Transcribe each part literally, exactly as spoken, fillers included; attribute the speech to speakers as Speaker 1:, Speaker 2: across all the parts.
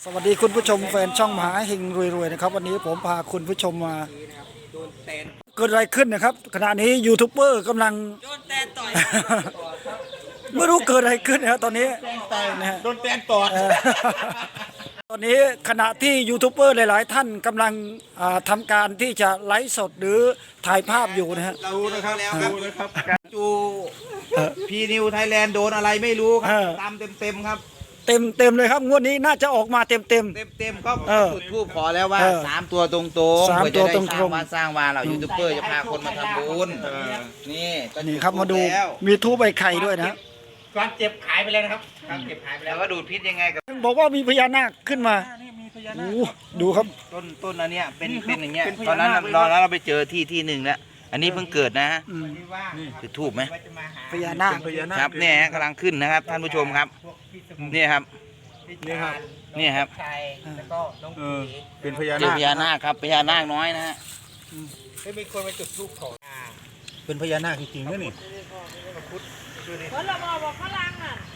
Speaker 1: สวัสดีคุณผู้ชมแฟนช่องมหาเฮงรวยๆนะครับวันนี้ผมพาคุณผู้ชมมาเกิดอะไรขึ้นนะครับขณะนี้ยูทูบเบอร์กำลังโดนแตนต่อยไม่รู้เกิดอะไรขึ้นนะครับตอนนี้นะฮะ
Speaker 2: โดนแตนต่อย
Speaker 1: ตอนนี้ขณะที่ยูทูบเบอร์หลายๆท่านกำลังทำการที่จะไลฟ์สดหรือถ่ายภาพอยู่นะฮะ
Speaker 2: ดูนะครับดูนะครับจูพีนิวไทยแลนด์โดนอะไรไม่รู้ครับตามเต็มเต็มครับ
Speaker 1: เต็มเต็มเลยครับงวดนี้น่าจะออกมาเต็มเต็ม
Speaker 2: เต็มเต็มก็จุดทูบขอแล้วว่าสามตัวตรงตรง
Speaker 1: สามตัวตรงตรง
Speaker 2: มาสร้างวาเรายูทูบเบอร์จะพาคนมาทำบุญนี่
Speaker 1: นี่ครับมาดูมีทูบใบไข่ด้วยนะ
Speaker 3: ความเจ็บหายไปเลยนะครับความเจ็บหายไปแล้ว
Speaker 2: ก็ดูดพิษยังไงกับ
Speaker 1: บอกว่ามีพญานาคขึ้นมาโอ้ดูครับ
Speaker 2: ต้นต้นอันเนี้ยเป็นเป็นอย่างเงี้ยตอนนั้นเราเราไปเจอที่ที่หนึ่งแล้วอันนี้เพิ่งเกิดนะฮะจุดทูบไหม
Speaker 1: พญานาค
Speaker 2: ครับเนี่ยกำลังขึ้นนะครับท่านผู้ชมครับนี่ครับ
Speaker 3: นี่ครับ
Speaker 2: นี่ครับ
Speaker 3: แล้วก็น้องผี
Speaker 2: เป็นพญานาคพญานาคครับพญานาคน้อยนะฮะ
Speaker 3: ไม่มีคนมาจุดธูปขอ
Speaker 2: เป็นพญานาคจริงๆนะนี่
Speaker 4: คนละบอกบอกฝรั่งอ่ะ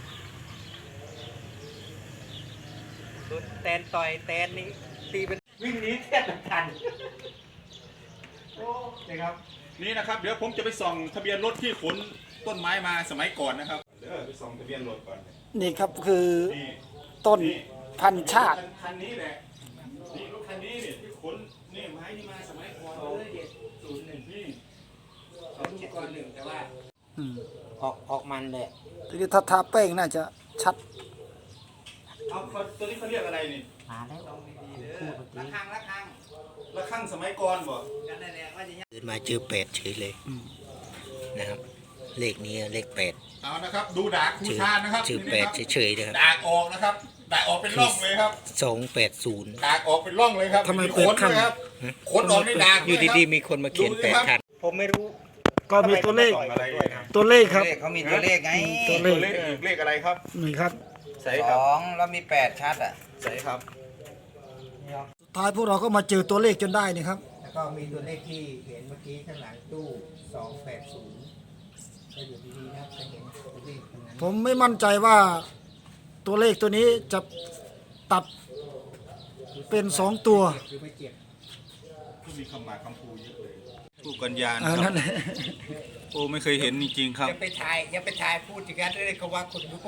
Speaker 3: โดนแตนต่อยแตนนี้ตีเป็นวิ่งหนีแทบทันโอ้นะครับ
Speaker 5: นี่นะครับเดี๋ยวผมจะไปส่องทะเบียนรถที่ขนต้นไม้มาสมัยก่อนนะครับเดี๋ยวไปส่องทะเบียนรถก่อน
Speaker 1: นี่ครับคือต้นพันชาติ
Speaker 5: คันนี้แหละนี่รถคันนี้เนี่ยที่ขนนี่ไม้นี่มาสมัยก่อนเลยเด็ดศูนย์หนึ่งนี่
Speaker 3: เขาดูก่อนหนึ่งแต่ว่าออกออกมันเลย
Speaker 1: ทีนี้ถ้าทาแป้งน่าจะชัด
Speaker 5: เอาตัวนี้เขาเรียกอะไรนี่
Speaker 3: มาแล้ว
Speaker 2: ระฆังระฆัง
Speaker 5: ระฆังสมัยก่อนบ่
Speaker 2: เดินมาเจอแปดเฉยเลยนะครับเลขนี้เลขแปด
Speaker 5: เอานะครับดูดากคูชานะครับ
Speaker 2: ชื่อแปดเฉยๆนะครับ
Speaker 5: ดากออกนะครับดากออกเป็นร่องเลยครับ
Speaker 2: สองแปดศูนย์
Speaker 5: ดากออกเป็นร่องเลยครับ
Speaker 1: ทำไมเปิดขั้น
Speaker 5: ขนออกในดาก
Speaker 2: อยู่ดีๆมีคนมาเขียนแปดคัน
Speaker 3: ผมไม่รู้
Speaker 1: ก็มีตัวเลขตัวเลขครับ
Speaker 2: เขามีตัวเลขไง
Speaker 1: ตัวเลข
Speaker 5: เลขอะไรครับ
Speaker 1: นี่ครับ
Speaker 2: สองแล้วมีแปดชัดอ่ะ
Speaker 5: ใช่ครับ
Speaker 1: สุดท้ายพวกเราก็มาเจอตัวเลขจนได้นี่ครับ
Speaker 3: แล้วก็มีตัวเลขที่เห็นเมื่อกี้ข้างหลังตู้สองแปดศูนย์ก็อยู่ดีๆนะครับจะเห็นตัวเลขตรงนั้น
Speaker 1: ผมไม่มั่นใจว่าตัวเลขตัวนี้จะตัดเป็นสองตัว
Speaker 3: คือไม่เจ็บ
Speaker 5: มีคำหมายคำพูเยอะเลยผู้กัญญาครับโอ้ไม่เคยเห็นจริงๆครับ
Speaker 3: ยังไปถ่ายยังไปถ่ายพูดอย่างนั้นเลยเขาว่าคนรู้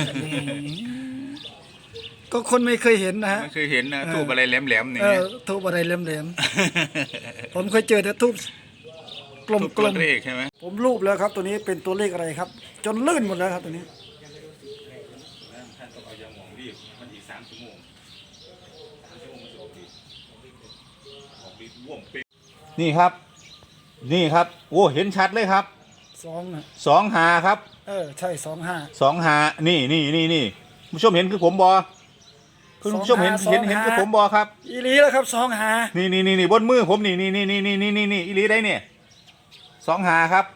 Speaker 1: ก็คนไม่เคยเห็นนะฮะ
Speaker 5: ไม่เคยเห็นนะทูบอะไรแหลมๆนี่
Speaker 1: ทูบอะไรแหลมๆผมเคยเจอแต่ทูบกลมๆ
Speaker 5: เลขใช่ไหม
Speaker 1: ผมรูปแล้วครับตัวนี้เป็นตัวเลขอะไรครับจนลื่นหมดแล้วครับตัวนี้
Speaker 5: ท่านต้องเอายาหมองรีบมันอีกสามชั่วโมงสามชั่วโมงมันจะออกฤทธิ์ออกฤทธิ์ว่วมเป็นนี่ครับนี่ครับโอ้เห็นชัดเลยครับ
Speaker 1: สอง
Speaker 5: สองหาครับ
Speaker 1: เออใช่สองห้า
Speaker 5: สองหานี่นี่นี่นี่ผู้ชมเห็นคือผมบอคุณผู้ชมเห็นเห็นเห็นคือผมบอครับ
Speaker 1: อีลีแล้วครับสองหา
Speaker 5: นี่นี่นี่นี่บนมือผมนี่นี่นี่นี่นี่นี่นี่อีลีได้เนี่ยสองหาครับ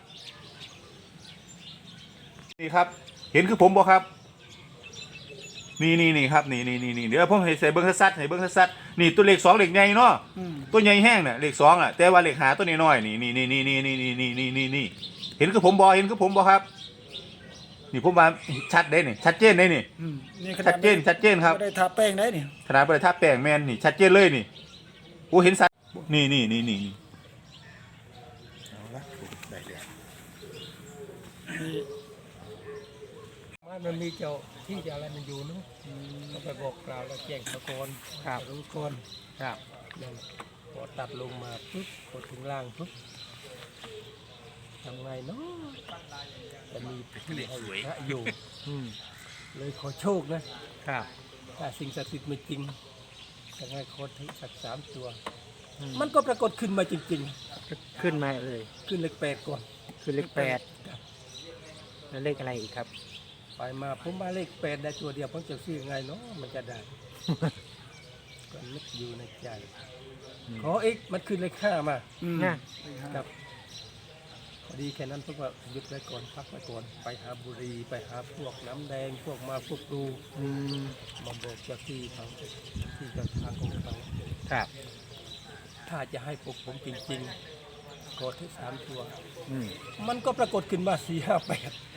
Speaker 5: นี่ครับเห็นคือผมบอครับนี่นี่นี่ครับนี่นี่นี่นี่เดี๋ยวผมให้ใส่เบิ้งซัดให้เบิ้งซัดนี่ตัวเลขสองเลขใหญ่เนาะตัวใหญ่แห้งเนี่ยเลขสองอ่ะแต่ว่าเลขหาตัวน้อยนี่นี่นี่นี่นี่นี่นี่นี่นี่นี่เห็นคือผมบอเห็นคือผมบอครับนี่ผมว่าชัดได้นี่ชัดเจนได้นี่ชัดเจนชัดเจนครับ
Speaker 1: ไม่ได้ทาแป้งได้นี่
Speaker 5: ขนาดไม่ได้ทาแป้งแมนนี่ชัดเจนเลยนี่โอ้เห็นสัตว์นี่นี่นี่นี่
Speaker 3: มันมีเจ้าที่จะอะไรมันอยู่นู้นก็ไปบอกกล่าวแล้วแจ้งตะโกนครับรู้คนครับนั่นพอตัดลงมาปุ๊บพอถึงล่างปุ๊บทำไงเนาะจะมีที่ให้พระอยู่เลยขอโชคนะครับถ้าสิ่งศักดิ์สิทธิ์ไม่จริงจะให้ขอถึงสักสามตัวมันก็ปรากฏขึ้นมาจริงๆขึ้นมาเลยขึ้นเลขแปดก่อนขึ้นเลขแปดแล้วเลขอะไรอีกครับไปมาผมมาเลขแปดได้ตัวเดียวผมจะซื้อไงเนาะมันจะได้ก็นึกอยู่ในใจขออีกมันขึ้นเลขห้ามาครับพอดีแค่นั้นพวกว่าหยุดไว้ก่อนพักไว้ก่อนไปหาบุรีไปหาพวกน้ำแดงพวกมาพวกดูมาบอกเจ้าที่เขาที่เจ้าทางของเขาครับถ้าจะให้พวกผมจริงๆกดที่สามตัวมันก็ปรากฏขึ้นมาสี่ห้าแปด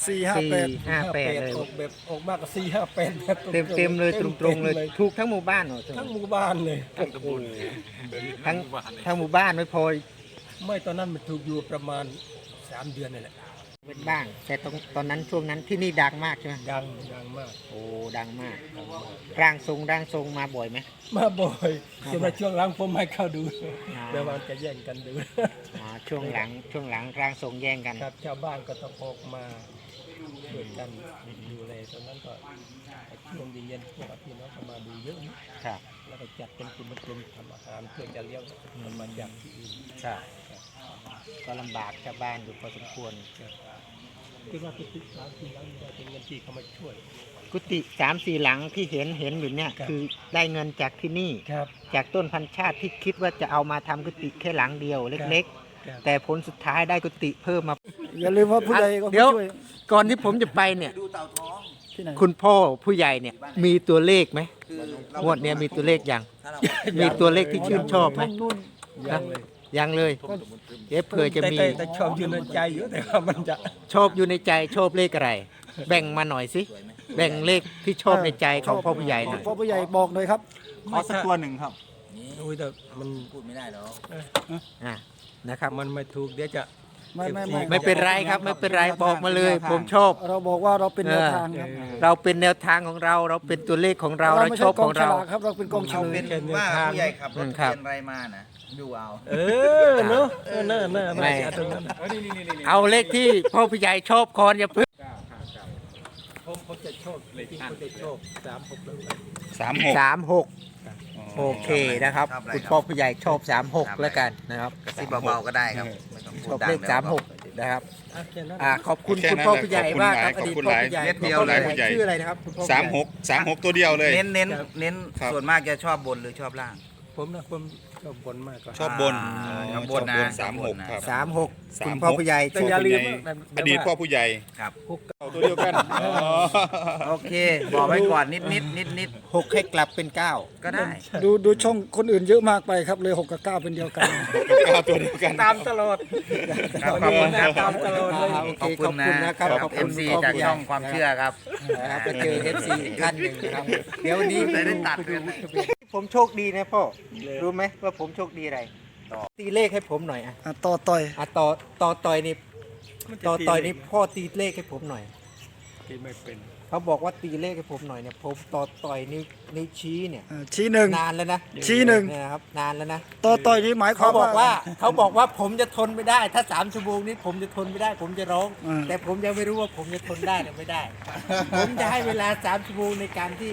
Speaker 1: สี่ห้า
Speaker 6: สี่
Speaker 1: แปด
Speaker 6: ห้าแปดเลย
Speaker 3: ออกแบบออกมากกว่าสี่ห้าแปดแบบ
Speaker 6: เต็มเต็มเลยตรงตรงๆเลย ถูกทั้งหมู่บ้านเหรอ
Speaker 3: ทั้งหมู่บ้านเลย
Speaker 6: ทั้งทั้งหมู่บ้านไม่พอ
Speaker 3: ไม่ตอนนั้นมันถูกอยู่ประมาณสามเดือนนี่แหละ
Speaker 6: เป็นบ้าง แต่ตรงตอนนั้นช่วงนั้นที่นี่ดังมากใช่ไหม
Speaker 3: ดังดังมาก
Speaker 6: โอ้ดังมากร่างทรงร่างทรงมาบ่อยไหม
Speaker 3: มาบ่อยจนในช่วงหลังผมให้เข้าดู
Speaker 6: อ๋อ
Speaker 3: เดี๋ยวมันจะแย่งกันดู
Speaker 6: อ๋อช่วงหลังช่วงหลังร่างทรงแย่งกัน
Speaker 3: ครับชาวบ้านก็ต้องออกมาช่วยกันดูแลตอนนั้นก็ช่วงเย็นๆพวกพี่น้องก็มาดูเยอะนะครับ แล้วก็จัดเป็นกลุ่มกลุ่มทำอาหารเพื่อจะเลี้ยงมันมาจากที่อื่น
Speaker 6: ครับก็ลำบากชาวบ้านอยู่พอสมควร
Speaker 3: คิดว่าทุกๆครั้งที่แล้วจะเป็นเงินที่เขามาช่วย
Speaker 6: กุฏิสามสี่หลังที่เห็นเห็นอยู่เนี่ย
Speaker 3: ครับ
Speaker 6: คือได้เงินจากที่นี่
Speaker 3: ครับ
Speaker 6: จากต้นพันชาติที่คิดว่าจะเอามาทำกุฏิแค่หลังเดียวเล็ก
Speaker 3: ครับ
Speaker 6: ๆ แต่ผลสุดท้ายได้กุฏิเพิ่มมา
Speaker 1: อย่าลืมว่าผู้ใหญ่ก็
Speaker 6: เดี๋ยว
Speaker 1: ช่วย
Speaker 6: ก่อนที่ผมจะไปเนี่ย
Speaker 1: ที่ไหน
Speaker 6: คุณพ่อผู้ใหญ่เนี่ยมีตัวเลขไหมงวดเนี้ยมีตัวเลขยังมีตัวเลขที่ชื่นชอบไหม
Speaker 3: ยังเลย
Speaker 6: ยังเลยเอ๊ะเผื่อจะมี
Speaker 3: แต่แต่ชอบอยู่ในใจอยู่แต่ว่ามันจะ
Speaker 6: ชอบอยู่ในใจชอบเลขอะไร แบ่งมาหน่อยสิแบ่งเลขที่ชอบในใจของพ่อผู้ใหญ่หน่อย
Speaker 1: พ่อผู้ใหญ่บอกหน่อยครับ
Speaker 5: ขอสักตัวหนึ่งครับ
Speaker 3: โอ้ยแต่มัน
Speaker 6: อ่ะนะครับ
Speaker 3: มันไม่ถูกเดี๋ยวจะ
Speaker 1: ไม่ไม่ไม่
Speaker 6: ไม่เป็นไรครับไม่เป็นไรบอกมาเลย ผมชอบ
Speaker 1: เราบอกว่าเราเป็นแนวทางครับ
Speaker 6: เราเป็นแนวทางของเรา เราเป็นตัวเลขของเราเรา
Speaker 1: ไม่
Speaker 6: ช
Speaker 1: ใช่
Speaker 6: อบ
Speaker 1: ก
Speaker 6: ข
Speaker 1: อ
Speaker 6: อง ง
Speaker 1: ฉ
Speaker 6: เรา
Speaker 1: ลากครับเราเป็นกองเฉ
Speaker 2: เอา
Speaker 1: ล
Speaker 2: เป็
Speaker 1: ย
Speaker 2: นว่าผู้ใหญ่ขับรถ
Speaker 6: ครับ
Speaker 2: เปลี่ยนอะไรมานะดูเอา
Speaker 3: เออเนาะเออน่าน่า
Speaker 6: ไม่
Speaker 3: น่าจะตรงนั้น
Speaker 6: เอาเลขที่พ่อผู้ใหญ่ชอบคอนอย่าเพิ่ง
Speaker 3: ผมผมจะชอบเลยที่ผมจะชอบสามหกเลย
Speaker 5: สามหก
Speaker 6: สามหกโอเคนะครับ
Speaker 2: ชอบอะไร
Speaker 6: คุณ
Speaker 2: ครับ
Speaker 6: พ่อผู้ใหญ่ชอบสามหกแล้วกันนะครับ
Speaker 2: กระซิบเบาๆก็ได้ครับไม่ต้อง
Speaker 6: ช
Speaker 2: พู
Speaker 6: อ
Speaker 2: ด
Speaker 6: บ
Speaker 2: ดัง
Speaker 6: เลข
Speaker 2: ดี๋ยว
Speaker 6: สามหกนะครับ
Speaker 3: อ่ะแค่นั้น
Speaker 6: อ่าขอบคุณ
Speaker 5: แค่
Speaker 6: คุณ
Speaker 5: นั้น
Speaker 6: พ่อ
Speaker 5: แหละ
Speaker 6: ผู้ใหญ่
Speaker 5: ขอบคุณ
Speaker 6: มาก
Speaker 5: ห
Speaker 6: ค
Speaker 5: ลา
Speaker 6: รั
Speaker 5: ย
Speaker 6: บอดีต
Speaker 5: ขอบคุณ
Speaker 6: พ่อ
Speaker 5: หลาย
Speaker 6: ผู้ใหญ่
Speaker 2: เม็ดเดียว
Speaker 6: พ่อ
Speaker 2: เลย
Speaker 6: ผู้ใหญ่ชื่ออะไรนะครับคุณพ่อผู้ใหญ่
Speaker 5: สามหกสามหกตัวเดียวเลย
Speaker 2: เน้นเน้น
Speaker 3: ครับ
Speaker 2: เน้น
Speaker 5: ครับ
Speaker 2: ส่วนมากจะชอบบนหรือชอบล่าง
Speaker 3: ผมนะผมชอบบนมากกว่า
Speaker 5: ชอบบน
Speaker 2: อ่า
Speaker 5: อ๋อ
Speaker 2: ชอบบ
Speaker 5: ชอน บ
Speaker 2: นะ
Speaker 5: บน
Speaker 2: ช
Speaker 5: สา
Speaker 2: อบ
Speaker 5: ม
Speaker 2: บ
Speaker 5: ห
Speaker 2: น
Speaker 5: ก
Speaker 2: นะ
Speaker 5: ครับ
Speaker 6: สามหก
Speaker 5: สามหก
Speaker 6: คุณพ่อผู้ใหญ่
Speaker 3: แต่
Speaker 6: ชอบ
Speaker 3: อย่าลืม
Speaker 5: ใหญ่
Speaker 3: นะ
Speaker 5: อดีตพ่อผู้ใหญ่
Speaker 2: ครับ
Speaker 5: เอาตัวเดียวกันอ๋อ
Speaker 2: โอเค บอกไว้ก่อนนิดนิดนิดนิด
Speaker 6: หกให้กลับเป็นเก้า
Speaker 2: ก็ได้
Speaker 1: ดูดูช่องคนอื่นเยอะมากไปครับเลยหกกับเก้าเป็นเดียวกัน
Speaker 5: เก้าตัวเดียวกัน
Speaker 3: ตามตลอด
Speaker 2: ครับขอบคุณครับ
Speaker 3: ตามตลอดเลย
Speaker 6: อ่าโอเค
Speaker 2: ขอบคุณนะ
Speaker 6: นะครับขอบ
Speaker 2: เอ
Speaker 6: คุณ
Speaker 2: ฟซี
Speaker 6: พ่อ
Speaker 2: จาก
Speaker 6: ผู้ใหญ่
Speaker 2: ช่องความเชื่อครับ
Speaker 6: นะครับไปเจอ เอฟ ซี อีกท่านหนึ่งนะครับเดี๋ยววันนี้
Speaker 2: ได้ได้ตัดกัน
Speaker 6: ผมโชคดีนะพ่อรู้ไหมว่าผมโชคดีอะไรตีเลขให้ผมหน่อยอ่ะ
Speaker 1: อ่ะต่อต่อย
Speaker 6: อ่ะต่อต่อต่อยนี่ต่อต่อยนี่พ่อตีเลขให้ผมหน่อย
Speaker 3: ที่ไม่เป็น
Speaker 6: เขาบอกว่าตีเลขให้ผมหน่อยเนี่ยผมต่อต่อยนิ้วนิ้วชี้เนี่ย
Speaker 1: อ่ะชี้หนึ่ง
Speaker 6: นานแล้วนะ
Speaker 1: ชี้หนึ่ง
Speaker 6: เยนะครับนานแล้วนะ
Speaker 1: ต่อต่อยนี่หมายค
Speaker 6: เขา
Speaker 1: วาม
Speaker 6: บอกว่า
Speaker 1: ว่า
Speaker 6: เขาบอกว่าผมจะทนไม่ได้ ถ้าสามชั่วโมงนี้ผมจะทนไม่ได้ ผมจะร้อง
Speaker 1: อืม
Speaker 6: แต่ผมยังไม่รู้ว่าผมจะทนได้หรือไม่ได้ ผมจะให้เวลาสามชั่วโมงในการที่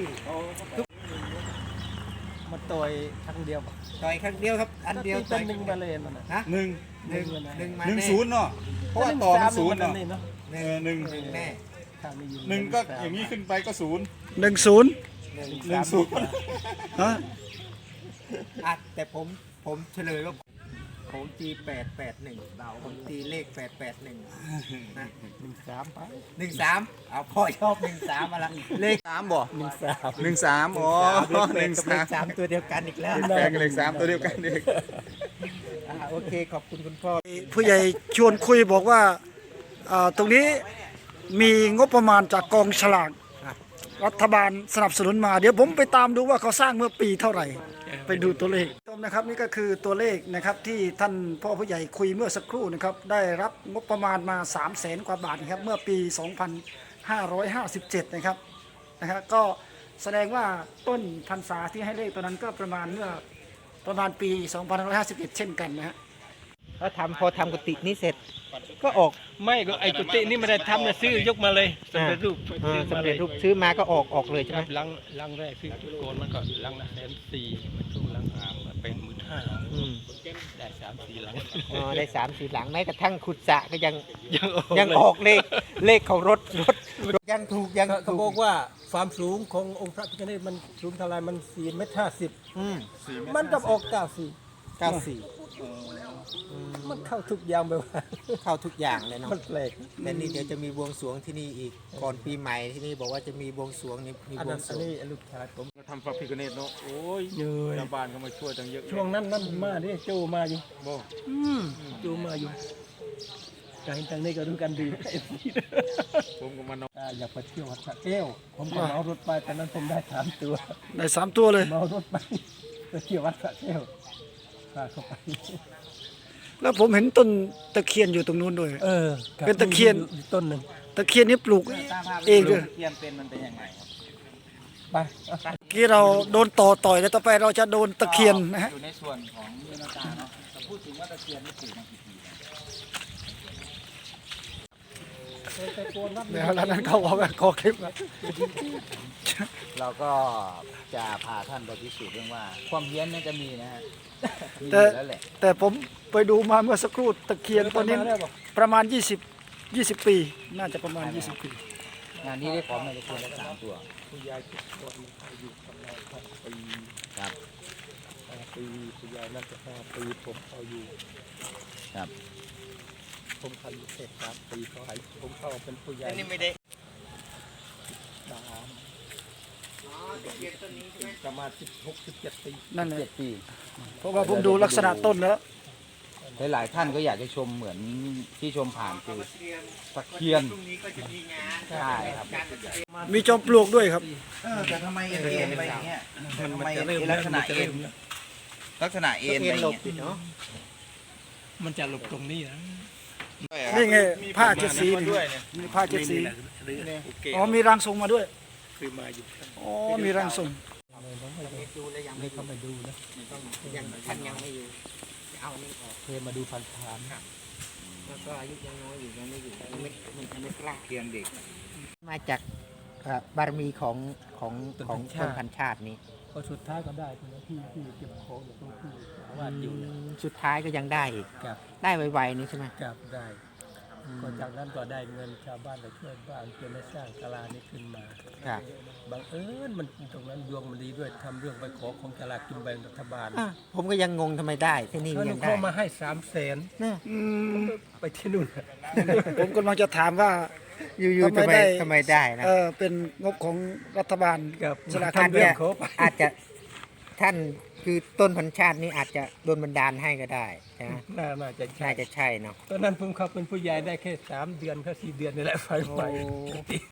Speaker 3: มาต่อยครั้งเดียว
Speaker 6: ต่อยครั้งเดียวครับ อันเดียว
Speaker 3: เป็
Speaker 6: ต่อน ย
Speaker 3: หนึ่งมาเลยมันนะ
Speaker 6: ฮะ
Speaker 5: หนึ่ง
Speaker 6: หนึ่งหนึ่งมา
Speaker 5: หนึ่ง
Speaker 6: แ
Speaker 5: ศูนย์เนาะเพราะว่าต่อมันศูนย์เนาะ
Speaker 3: เนาะ
Speaker 6: ห
Speaker 5: เอ
Speaker 6: นึ่ง
Speaker 5: อหนึ่ง
Speaker 6: หนึ่งแน่
Speaker 3: ถ้าไม่ยิ
Speaker 5: หนึ่งก็อย่างนี้ขึ้นไปก็ศูนย์
Speaker 1: หนึ่งศูนย์
Speaker 6: หนึ่ง
Speaker 5: หนึ่งศูนย์
Speaker 1: ฮะ
Speaker 6: อ่ะแต่ผมผมเฉลยว่าผมตีแปดแปดหนึ่งผมตีเลขแปดแปดหนึ่งนะ
Speaker 3: หนึ่งสามไป
Speaker 6: หนึ่งสามเอาพ่อชอบหนึ่งสามมาละเลข
Speaker 5: สามบ่
Speaker 3: หนึ่งสาม
Speaker 5: หนึ่งสามอ๋อ
Speaker 6: เล
Speaker 5: หนึ่
Speaker 6: ข
Speaker 5: ง
Speaker 6: กับเล
Speaker 5: สา
Speaker 6: ข
Speaker 5: ม
Speaker 6: สามตัวเดียวกันอีกแล้ว
Speaker 5: แปลงเลขสามตัวเดียวกันเด็ก
Speaker 6: อ่ะโอเคขอบคุณคุณพ่อ
Speaker 1: ผู้ใหญ่ชวนคุยบอกว่าอ่าตรงนี้มีงบประมาณจากกองฉลากรัฐบาลสนับสนุนมา เดี๋ยวผมไปตามดูว่าเขาสร้างเมื่อปีเท่าไหร่ ไปดูตัวเลขชมนะครับนี่ก็คือตัวเลขนะครับที่ท่านพ่อผู้ใหญ่คุยเมื่อสักครู่นะครับได้รับงบประมาณมา3 0 0แสนกว่าบาทนะครับเมื่อปี สองพันห้าร้อยห้าสิบเจ็ด นะครับนะครับก็แสดงว่าต้นพรรษาที่ให้เลขตัวนั้นก็ประมาณเมื่อประมาณปี สองพันห้าร้อยห้าสิบเอ็ด เช่นกันนะฮะ
Speaker 6: แล้วทำพอทำกุฏินี้เสร็จ ก็ออก
Speaker 3: ไม่ก็ไอ้กุฏินี่ไม่ได้ทำนะซื้อยกมาเลยสำเร็จรูป
Speaker 6: เออ
Speaker 3: ซื้อมา
Speaker 6: สำ
Speaker 3: เล
Speaker 6: เร็จ
Speaker 3: ย
Speaker 6: รูปซื้อมาก็ออกออกเลยใช่
Speaker 3: ค
Speaker 6: ไหม
Speaker 3: รับลังลังแรกซื้อจุดโกนมันก็ลังละแสนสี่มันถูกลังอ่างมาเป็นหมื่นห้า
Speaker 6: อืม
Speaker 3: ได้สามสี่ลัง
Speaker 6: อ๋อได้สามสี่หลังแม้กระทั่งขุดสระก็ยัง
Speaker 3: ยังออก
Speaker 6: ยัง
Speaker 3: เลย
Speaker 6: ออกเลขเลขของรถรถยังถูกยัง
Speaker 3: เขา
Speaker 6: ถู
Speaker 3: บอก กว่าความสูงขององค์พระพิฆเนศมันสูงเท่าไรมันสี่เมตรห้าสิบ
Speaker 6: อืม
Speaker 3: มันกับออกเก้าสี่
Speaker 6: เก้าสี่
Speaker 3: มันเข้าทุกอย่างไปว่า
Speaker 6: เข้าทุกอย่างเลยเนาะ
Speaker 3: มันแปลก
Speaker 6: แต่นี่เดี๋ยวจะมีบวงสรวงที่นี่อีกก่อนปีใหม่ที่นี่บอกว่าจะมีบวงสรวงนี่มี
Speaker 3: อัน
Speaker 6: บว
Speaker 3: นั้
Speaker 6: ง
Speaker 3: น
Speaker 6: สร
Speaker 3: อัน
Speaker 6: วง
Speaker 3: นี้ลูกชายผม
Speaker 5: ทำพระพิฆเนศเนาะโอ้ย
Speaker 3: เหนื่อย
Speaker 5: ชาวบ้านเขามาช่วยตั้งเยอะ
Speaker 3: ช่วงนั้นนั่นมาดิโจมาอยู่
Speaker 5: บ่
Speaker 3: โจมาอยู่ ไปการทางนี้ก็รู้กันดีผมก็มานอนอยากไปเที่ยววัดสระแก้วผมก็เมารถไปตอนนั้นผมได้สามตัว
Speaker 1: ได้สามตัวเลย
Speaker 3: เมารถไปไปเที่ยววัดสระแก้วพาเข้าไป
Speaker 1: แล้วผมเห็นต้นตะเคียนอยู่ตรงนู้นด้วย
Speaker 3: เออ
Speaker 1: เป็นตะเคียน
Speaker 3: อยู่ต้นหนึ่ง
Speaker 1: ตะเคียนนี้ปลูกเองด้วย
Speaker 2: เทียมเป็นมันเป็นยังไงครับ
Speaker 3: ไป
Speaker 1: เมื่อกี้เราโดนต่อต่อยแล้วต่อไปเราจะโดนตะเคียนนะฮะ
Speaker 2: อยู่ในส่วนของเนื้อนาตาเนาะแต่พูดถึงว่าตะเคียนนี่ปลูกมากี่ปีแล้ว
Speaker 1: แล้วแล้วนั้นเขาบอกว่าขอคลิปนะ
Speaker 2: เราก็จะพาท่านไปพิสูจน์เรื่องว่า ความเฮี้ยนน่าจะมีนะฮะมีอ
Speaker 1: แต่
Speaker 2: ยู่แล้วแหละ
Speaker 1: แต่ผมไปดูมาเมื่อสักครู่ตะเคียนตัวนี้ประมาณ 20 20 ปี น่าจะประมาณ 20 ปี
Speaker 2: งานนี้ได้ของมาตะเคียนละสามตัว
Speaker 3: คุณยายเก็บตัวมันอยู่กับเราครับปี
Speaker 2: ครับ
Speaker 3: ห้าปีคุณยายน่าจะห้าปีผมเอาอยู่
Speaker 2: ครับ
Speaker 3: ผมทำอยู่เสร็จสามปีเขาให้ผมเข้าเป็นผู้ใหญ่
Speaker 2: อันนี้ไม่ได้
Speaker 3: สามประมาณสิบหกสิบเจ็ดปี
Speaker 1: นั่นแห
Speaker 2: เจ็
Speaker 1: ละ
Speaker 2: ดปี
Speaker 1: เพราะว่าผมดูลักษณะต้นแล้ว
Speaker 2: หลายๆท่านก็อยากจะชมเหมือนที่ชมผ่านคือตะเคียนใช่ครับ
Speaker 1: มีจอมปลวกด้วยครับ
Speaker 2: เออแต่ทำไมเอ็นไปอย่างเงี้ยทำไมลักษณะเอ็นลักษณะเอ็นไปอย่างเงี้ย
Speaker 6: เนาะ
Speaker 3: มันจะหลบตรงนี้นะ
Speaker 1: นี่ไงผ้าเจ็ดสีนี่มีผ้าเจ็ดสีอ๋อมีร่างทรงมาด้วย
Speaker 3: คือมาอยู่
Speaker 1: อ๋อมีร่างทรง
Speaker 6: ดูแล้วยัง
Speaker 3: ไม่เข้ามาดูนะ
Speaker 6: ยังท่านยังไม่อยู่จะเอานี่ออก
Speaker 3: เคยมาดูผ่านผ่าน
Speaker 6: แล้วก็อายุยังน้อยอยู่ยังไม่อยู่ยังไม่มันยังไม่กล้า
Speaker 2: เคียนเด็ก
Speaker 6: มาจากเอ่อบารมีของของของต้นพันชาตินี้
Speaker 3: ก็สุดท้ายก็ได้นะที่ที่เก็บของอยู่ตรงที่วาดอยู่นะ
Speaker 6: สุดท้ายก็ยังได้อีก
Speaker 3: กับ
Speaker 6: ได้ไวๆนี่ใช่ไหม
Speaker 3: กับได้ก็จากนั้นก็ได้เงินชาวบ้านไปช่วยบ้านจนได้สร้างศาลานี้ขึ้นมา
Speaker 6: ครับ
Speaker 3: บังเอิญมันตรงนั้นดวงมันดีด้วยทำเรื่องไปขอของศาลากินแบ่งรัฐบาล
Speaker 6: อ่ะผมก็ยังงงทำไมได้ที่นี่
Speaker 3: เขา
Speaker 6: ยังได้
Speaker 3: เข้ามาให้สามแสน
Speaker 6: เนี่ย
Speaker 1: อืม
Speaker 3: ไปที่นู่น
Speaker 1: ผมกำลังจะถามว่า
Speaker 6: อยู่ๆทำไมทำไมได้นะ
Speaker 1: เออเป็นงบของรัฐบาล
Speaker 3: กับ
Speaker 1: สลาก
Speaker 6: ท่าน
Speaker 3: ทำเรื่
Speaker 6: เนี่
Speaker 3: อย งขอไป
Speaker 6: อาจจะท่านคือต้นพันชาตินี้อาจจะโดนบันดาลให้ก็ได้ใช่ไหม
Speaker 3: น่าน่าจะใช่
Speaker 6: น่าจะใช่เนาะ
Speaker 3: ตอนนั้นผมเข้าเป็นผู้ใหญ่ได้แค่สามเดือนแค่สี่เดือนนี่แหละไฟไหม้